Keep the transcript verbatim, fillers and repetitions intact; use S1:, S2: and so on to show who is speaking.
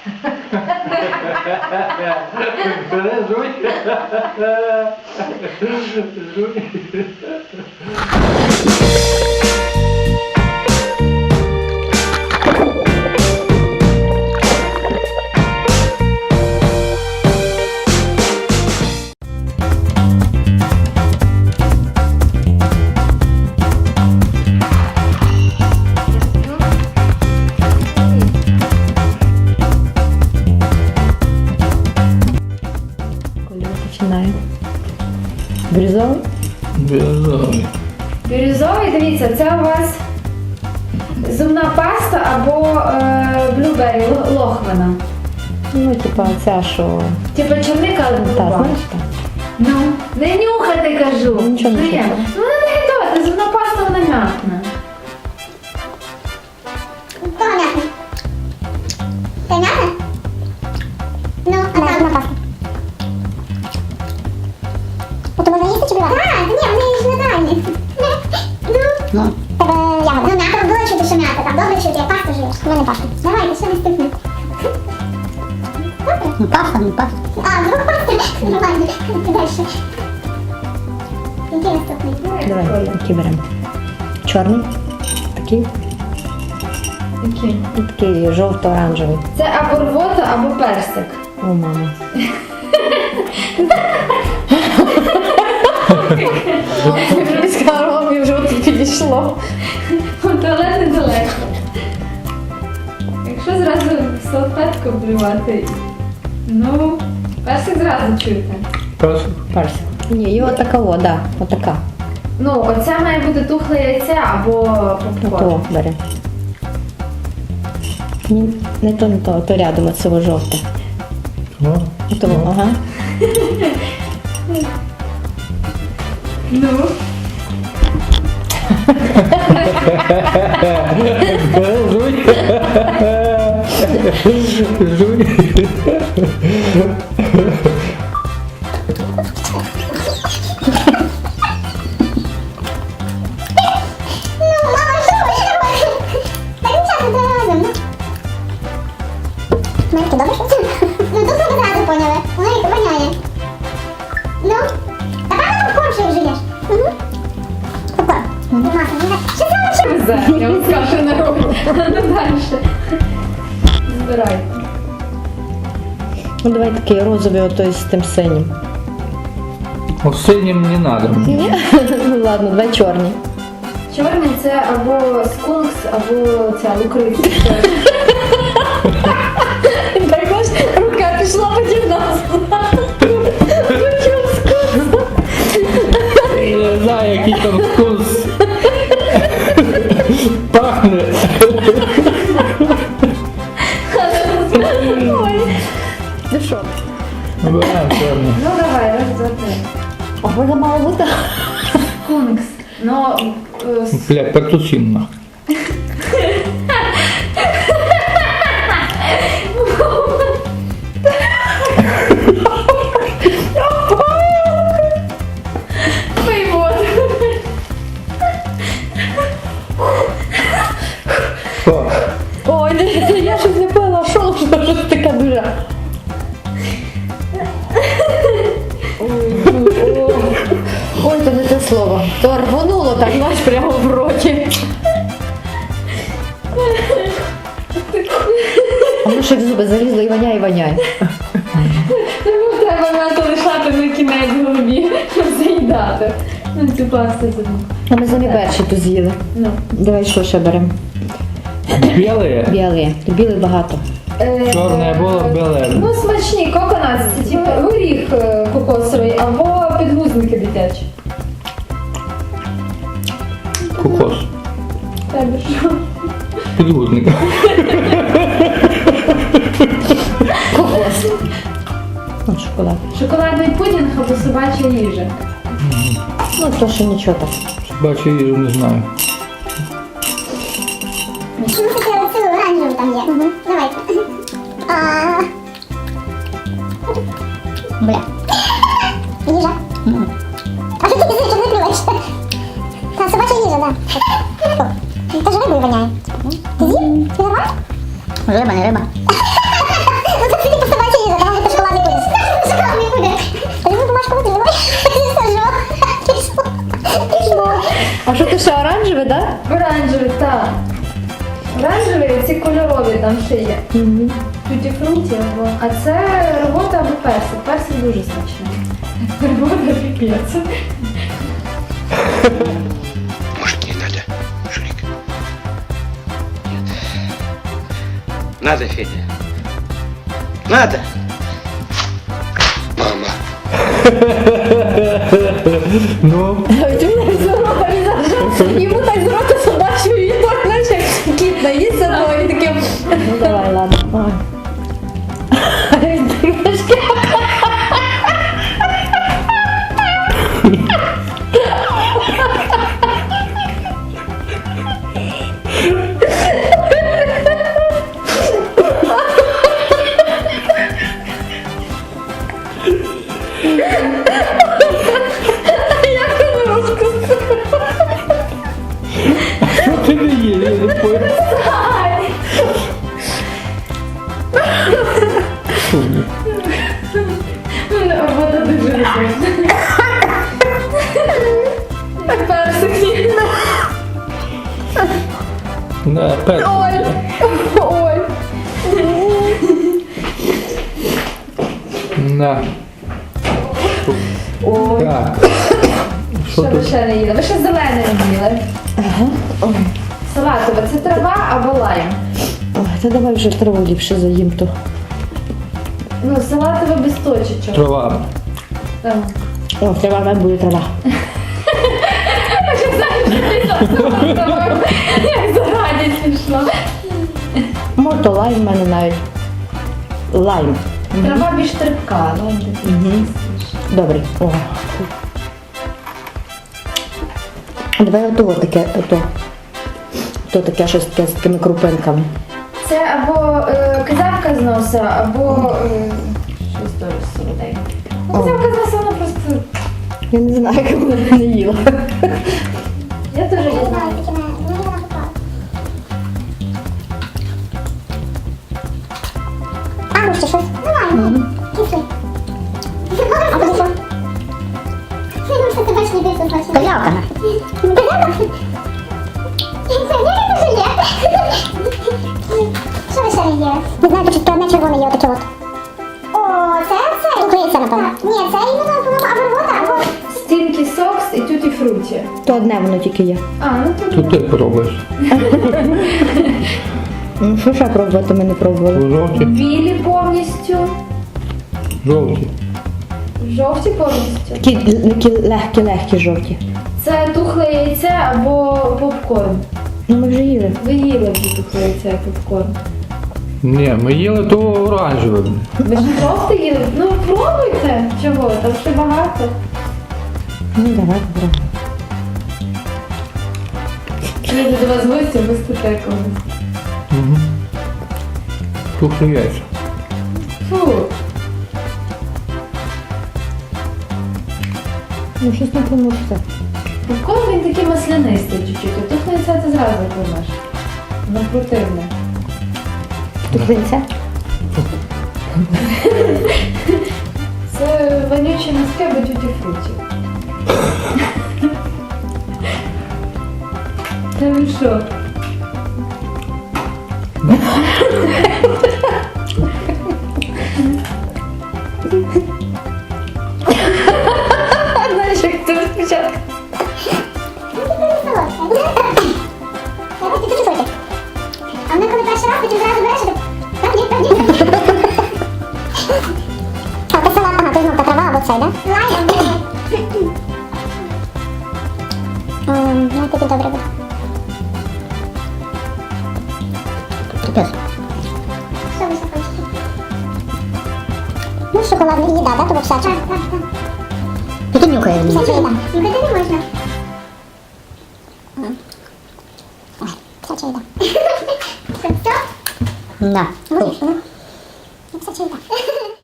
S1: Жуй. Жуй.
S2: Починаю. Бірюзовий?
S1: Бірюзовий.
S3: Бірюзовий, дивіться, це у вас зубна паста або е, блюбері, лохвина.
S2: Ну, типа ця, що...
S3: Типа чорника
S2: Та,
S3: люба.
S2: знаєш так?
S3: Ну, не нюхати, кажу.
S2: Нічого не
S3: Приємно.
S2: чухаю.
S3: Ну, вона не гидота, зубна паста, вона м'якна.
S4: Понятно. Понятно? Ну, а там на пасту. От можна їсти чи блювати? Так, ні, вони ж натуральні. Ну, тебе ягоди. Ну, м'ята було чути, що м'ята. Там добре чути, як пасту живеш. У мене паста. Давайте, що не стихне. Ну, паста, ну, паста. А, вдруг паста? Нормально. Дальше. Який наступний?
S2: Давай, який беремо? Чорний? Такий?
S3: Який?
S2: І такий жовто-оранжевий.
S3: Це або рвота, або персик.
S2: О, мама. Я сказала, мені вже тут підійшло.
S3: Туалет недалеко. Якщо зразу салфетку обливати, ну, персик зразу чуєте.
S1: Персик.
S2: Персик. Ні, і отакого, да, отака.
S3: Ну, оце має бути тухле яйце або попкорн.
S2: Ото бери. Ні, не то, не то, то рядом от цього жовте.
S1: Ну,
S2: Ото, ага.
S3: Ну,
S1: жуй. Жуй.
S4: Ну, мама, що ви ще робите? Та нічого, не треба разом, ну. Марки, добре, що це? Ну, тут ви одразу поняли. Воно їх воняє. Ну, та певно попкорн ще вжиєш. Угу. Попкорн. Маса, ну, що це воно?
S3: везе, я вам скажу на роботу. Ну, далі. Збирайте.
S2: Ну давай такий розовий, отой з тим синім.
S1: Ну, синім не надо.
S2: Ні? Ну ладно, давай чорні.
S3: Чорний це або скункс, або ця лукриця.
S2: Так ось рука пішла потім нас.
S1: Не знаю, який там вкус. Пахне.
S2: Ой. Ну що?
S1: Вибираємо чорний.
S3: Ну давай, раз, два, три.
S2: А можна мало бути?
S3: Скункс. Ну, е, с-
S1: Бля, петусін нахуй.
S3: пий воду.
S1: Що?
S2: Ой, не, я щось не пила, що що щось таке дуже. Ой, ой, ой, це не те слово. То рвонуло так, знаєш, прямо в роті. А ну що в зуби залізло і воняє, і воняє.
S3: Тому треба мати лишати на кінець голові, щоб заїдати. Ну, цю пасту зубну.
S2: А ми самі перші тут з'їли.
S3: Ну.
S2: Давай що ще беремо?
S1: Біле?
S2: Білий. Тут білий багато.
S3: Е,
S1: Чорне було, біле.
S3: Ну, смачні, коконат, це типу горіх е, кокосовий або підгузники дитячі.
S1: Кокос.
S3: Тебе що?
S1: Підгузник.
S2: Кокос. Ну, шоколад.
S3: Шоколадний пудінг або собача їжа.
S2: Ну, то що нічого так.
S1: Бачу їжу, не знаю.
S4: Ну, таке оцю оранжеву там є. Угу. Давайте. А... Бля. Їжа. А що ти пізніше, щоб не плюєш? Та, собача їжа, да. Та ж рибою воняє. Ти з'їв? Ти нормально? Риба, не риба.
S2: А що ти ще оранжеве, так?
S3: Оранжевий, так. Оранжевий, ці кольорові там ще є. Туті фруті або. А це рвота або персик. Персик дуже смачний. Рвота піпець.
S5: Может, не надо, Шурик? Нет. Надо, Федя. Надо. Мама.
S1: Ну,
S2: Йому так з рота собачою її знаєш, як кіт наїсться, то і таким. Ну давай, ладно.
S1: що ти не є? Я не понял. Фу.
S3: Рвота дуже люблю. Персик ні.
S1: На, персик.
S2: Ой. Ой.
S1: На.
S2: Ой.
S1: Так. Що
S3: Що ви
S1: тут?
S3: ще не їли? Ви ще зелене не їли.
S2: Ой.
S3: Салатове, це трава або лайм.
S2: Ой, та давай вже траву ліпше заїм то.
S3: Ну, салатове без точечок.
S1: Трава.
S3: Так.
S2: О, трава не буде трава.
S3: Як зараді смішно.
S2: Мото лайм в мене навіть. Лайм.
S3: Трава більш терпка, лайм такий.
S2: Угу. Добре. О. Давай ото таке, ото. То таке щось таке з такими крупинками.
S3: Це або е, казавка з носа, або е, щось дуже солоденьке. Ну, казавка з носа, вона просто...
S2: Я не знаю, як вона не їла.
S3: Я теж її
S4: Не
S3: знаю.
S4: знаю, таке мене. Ну, я попала. А, ну ще щось? Нормально. Кислий. А куди що? Ну, що ти бачиш, не більше смачно. Козявка. Козявка? Це не желе. Що ви ще не їли? Не знаю, тут одне червоне є, отаке от. О, це це? Тут це, напевно. Ні, це іменно, по-моєму, або рвота, або...
S3: Стінкі сокс і тюті фруті.
S2: То одне воно тільки є.
S3: А, ну тут.
S1: Тут ти пробуєш.
S2: Ну, що ще пробувати, ми не пробували.
S1: Жовті.
S3: Білі повністю.
S1: Жовті.
S3: Жовті повністю.
S2: Такі легкі-легкі жовті.
S3: Це тухле яйце або попкорн.
S2: Ну, ми вже їли.
S3: Ви їли вже тухле яйце і попкорн.
S1: Ні, ми їли то оранжеве.
S3: Ви ж просто їли? Ну пробуйте. Чого? Там ще багато.
S2: Ну, давай попробуємо.
S3: Їду до вас в гості, ви стате когось.
S1: Угу. Тухлі яйця.
S3: Фу.
S2: Ну, щось не поможе все.
S3: Попкорн він такий маслянистий чуть-чуть, а тухле яйце ти зразу поймеш. Воно противне.
S2: Тут винця.
S3: Це вонюче м'яске або тюті фруті. Та ви що?
S2: Знаєш, як ти спочатку.
S4: Я хочу почути. А вона коли перший раз, потім зразу береш, і так, ні, так, ні. А, це салат, ага, то знов та трава або цей, да? Лайм. Ем, ну, тоді добре буде.
S2: Капець.
S4: Що ви ще хочете? Ну, шоколадна їда, да, то вовсяча? Так, так, так.
S2: Ну, ти нюхає.
S4: Вовсяча їда. Нюхати не можна. Ой, вовсяча їда. Це все?
S2: На.
S4: Будеш, ну?